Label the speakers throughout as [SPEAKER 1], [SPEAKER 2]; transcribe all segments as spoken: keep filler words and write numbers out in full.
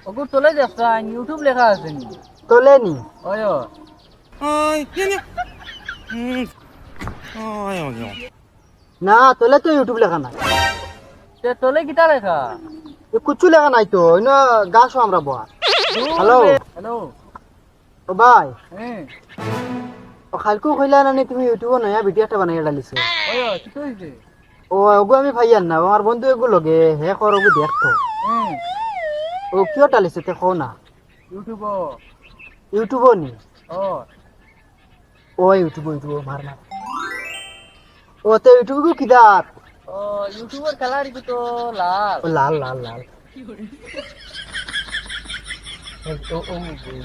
[SPEAKER 1] ওগো তোলে দেখছেন ইউটিউব লেখা আছে নি
[SPEAKER 2] তোলেনি
[SPEAKER 1] ওই ও।
[SPEAKER 3] Ay, yan yan. Hmm. Ay, ay, ay.
[SPEAKER 2] না তোলে তো ইউটিউব লেখা নাই
[SPEAKER 1] তে তোলে কিটা লেখা
[SPEAKER 2] এ কুচ্ছু লেখা নাই তো ইনো গাছও আমরা বয়া হ্যালো
[SPEAKER 1] হ্যালো
[SPEAKER 2] ও ভাই
[SPEAKER 1] হ্যাঁ
[SPEAKER 2] ও খালকু কইলা না নি তুমি ইউটিউবে নয়া ভিডিও একটা বানাই ডালিছো
[SPEAKER 1] ওই ও কি হইছে
[SPEAKER 2] ও ওগো আমি ভাইয়ার না আমার বন্ধু এগু লগে হে কর ওগু দেখতো
[SPEAKER 1] হ্যাঁ
[SPEAKER 2] ও কিয় ডালিছে তে কও না
[SPEAKER 1] ইউটিউব
[SPEAKER 2] ইউটিউবও নি
[SPEAKER 1] ও
[SPEAKER 2] ও ইউটিউব ইউটিউব মার মার ও তে ইউটিউব গু কিদার
[SPEAKER 1] ও ইউটিউবের কালার কি তো লাল
[SPEAKER 2] ও লাল লাল লাল
[SPEAKER 1] ও ও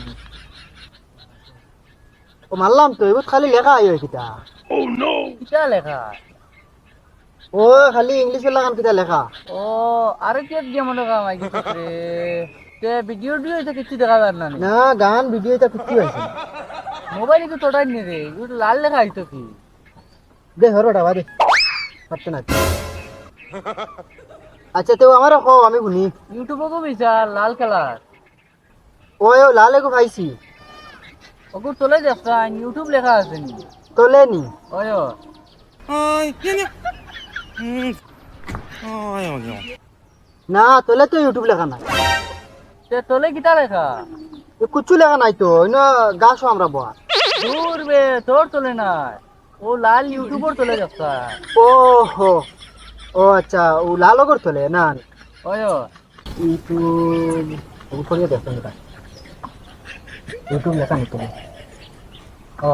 [SPEAKER 2] ও মারলাম তো এগুলো খালি লেখা আইও কিতা
[SPEAKER 1] কিটা লেখা
[SPEAKER 2] ও খালি ইংলিশে লাগান কিতা লেখা
[SPEAKER 1] ও আরে কি দিয়ে মনে কাম আই গেছে রে তে ভিডিও ভিডিও এটা কিছু দেখা যায় না
[SPEAKER 2] না গান ভিডিও এটা কিচ্ছু হয়েছে
[SPEAKER 1] মোবাইলে তো তোটাই নি রে ইউটিউব লাল লেখা আইতো কি
[SPEAKER 2] দে হরোটা বাদে পারতে না আচ্ছা তো আমার কো আমি শুনি
[SPEAKER 1] ইউটিউবে কো বিশাল লাল কালার
[SPEAKER 2] ও ও লাল এগু পাইছি
[SPEAKER 1] ওগো তোলে দেখছেন ইউটিউব লেখা আছে নি
[SPEAKER 2] তোলে নি
[SPEAKER 1] ওই ও।
[SPEAKER 3] Ay, yan yan. Hmm. Ay, ay, ay.
[SPEAKER 2] না তোলে তো ইউটিউব লেখা নাই
[SPEAKER 1] তে তোলে কিটা লেখা
[SPEAKER 2] এ কুচ্ছু লেখা নাই তো ইনো গাছও আমরা বয়া
[SPEAKER 1] দূর বে তোর তোলে নাই ও লাল ইউটিউবার তোলে দেখছেন
[SPEAKER 2] ও হো ও আচ্ছা ও লাল ওগর তোলে না
[SPEAKER 1] ওই ও।
[SPEAKER 2] ইউটিউব উপরে দেখুন এটা ইউটিউব লেখা নাই তোলে ও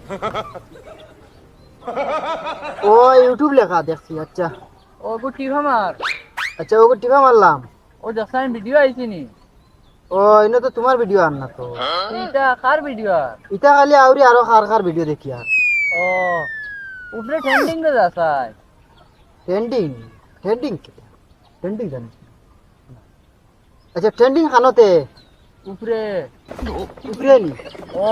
[SPEAKER 2] ও ইউটিউব লেখা দেখছি আচ্ছা
[SPEAKER 1] ওগো টিভা মার
[SPEAKER 2] আচ্ছা ওগো টিপা মারলাম
[SPEAKER 1] ও দেখছেন ভিডিও আইছি নি
[SPEAKER 2] ও ইনো তো তোমার ভিডিও আর না তো
[SPEAKER 1] এটা কার ভিডিও
[SPEAKER 2] ইটা খালি আউরি আরো খার খার ভিডিও দেখি আর
[SPEAKER 1] ও উপরে ট্রেন্ডিং রে যাসাই
[SPEAKER 2] ট্রেন্ডিং ট্রেন্ডিং ট্রেন্ডিং জানি আচ্ছা ট্রেন্ডিং খানোতে
[SPEAKER 1] উপরে
[SPEAKER 2] উপরে নি
[SPEAKER 1] ও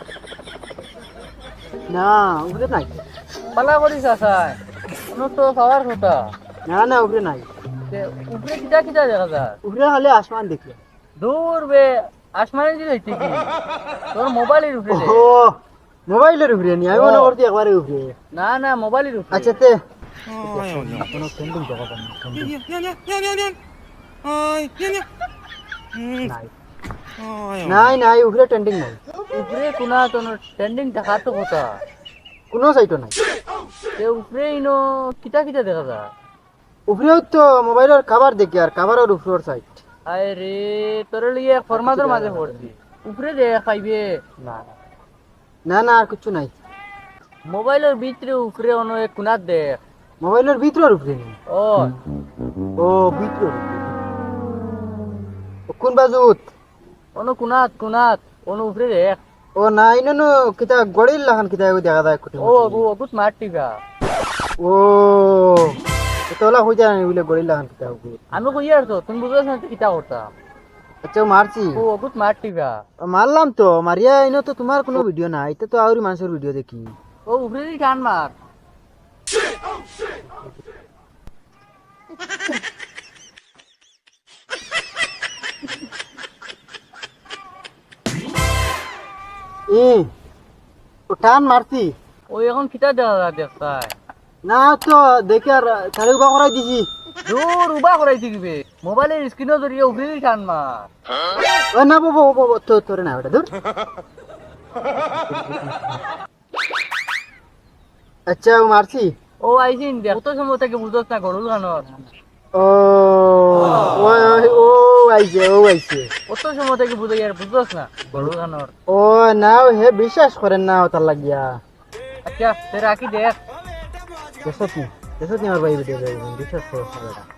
[SPEAKER 2] না উপরে নাই
[SPEAKER 1] পালা করি যাসাই কোনো তো পাওয়ার কথা
[SPEAKER 2] না না উপরে নাই
[SPEAKER 1] তে উপরে কিটা কিটা দেখা যায়
[SPEAKER 2] উপরে খালি আসমান দেখি
[SPEAKER 1] দূর বে আসমানে দিলে কি তোর মোবাইলের উপরে দে।
[SPEAKER 2] ও মোবাইলের উপরে নি আমি মনে করছি একবারে উপরে
[SPEAKER 1] না না মোবাইলের উপরে
[SPEAKER 2] আচ্ছা তে
[SPEAKER 3] Ay, ay, ay.
[SPEAKER 2] কোনো ট্রেন্ডিং জায়গা পাই না
[SPEAKER 3] Yan yan yan yan yan yan yan. Ay, yan yan. Hmm.
[SPEAKER 2] নাই
[SPEAKER 3] Ay, ay.
[SPEAKER 2] নাই নাই উপরে ট্রেন্ডিং নাই
[SPEAKER 1] উপরে কোনা তো ট্রেন্ডিং দেখা তো কথা
[SPEAKER 2] কোনো সাইটও নাই
[SPEAKER 1] তে উপরে ইনো কিটা কিটা দেখা যায়
[SPEAKER 2] উপরেও তো মোবাইলের খাবার দেখি আর খাবারের উপরের সাইট
[SPEAKER 1] আরে রে তোর লিয়ে ফরমাদের মাঝে পড়ছি উপরে দে খাইবে
[SPEAKER 2] না না না আর কিছু নাই
[SPEAKER 1] মোবাইলের ভিতরে উপরে অন্য এক কোনাত দেখ
[SPEAKER 2] মোবাইলের ভিতরের উপরে নেই
[SPEAKER 1] ও
[SPEAKER 2] ও ভিতরের উপরে ও কোন বাজুত
[SPEAKER 1] অন্য কোনাত কোনাত অন্য উপরে দেখ
[SPEAKER 2] ও নাই না নো কিতা গড়িল লাগান কিতা এগো দেখা যায় কুটি
[SPEAKER 1] ও অগু অগুত মারটিবা
[SPEAKER 2] ও তোলা হই যায় না বলে গড়িল লাগান কিতা এগো
[SPEAKER 1] আমি কই আর তো তুমি বুঝছ না কিটা করতা
[SPEAKER 2] আচ্ছা মারছি
[SPEAKER 1] ও অগুত মারটিবা
[SPEAKER 2] মারলাম তো মারিয়া ইনো তো তোমার কোনো ভিডিও নাই এটা তো আউরি মানুষের ভিডিও দেখি
[SPEAKER 1] ও উপরে দি টান মার
[SPEAKER 2] এ ও টান মারছি
[SPEAKER 1] ও এখন কিটা দেখা যায় দেখতাই
[SPEAKER 2] না তো দেখে আর চারি উবা করাই দিছি
[SPEAKER 1] দূর উবা করাই দিবে মোবাইলের স্ক্রিনও জড়িয়ে উপরে দি টান মার
[SPEAKER 2] ও না বাবা ও বাবা তো তোরে না ওটা দূর আচ্ছা ও মারছি
[SPEAKER 1] ও আইছিন দেখ তো সময় থেকে বুঝছ না গরুল গানর
[SPEAKER 2] ও ও ও আইছে ও আইছে
[SPEAKER 1] কত সময় থেকে বুঝে আর বুঝছ না গরুল গানর
[SPEAKER 2] ও না হে বিশ্বাস করেন না ওটার লাগিয়া
[SPEAKER 1] আচ্ছা তে রাখি দেখ
[SPEAKER 2] দেশত নি দেশত নি আমার ভাই ভিডিও বিশ্বাস করো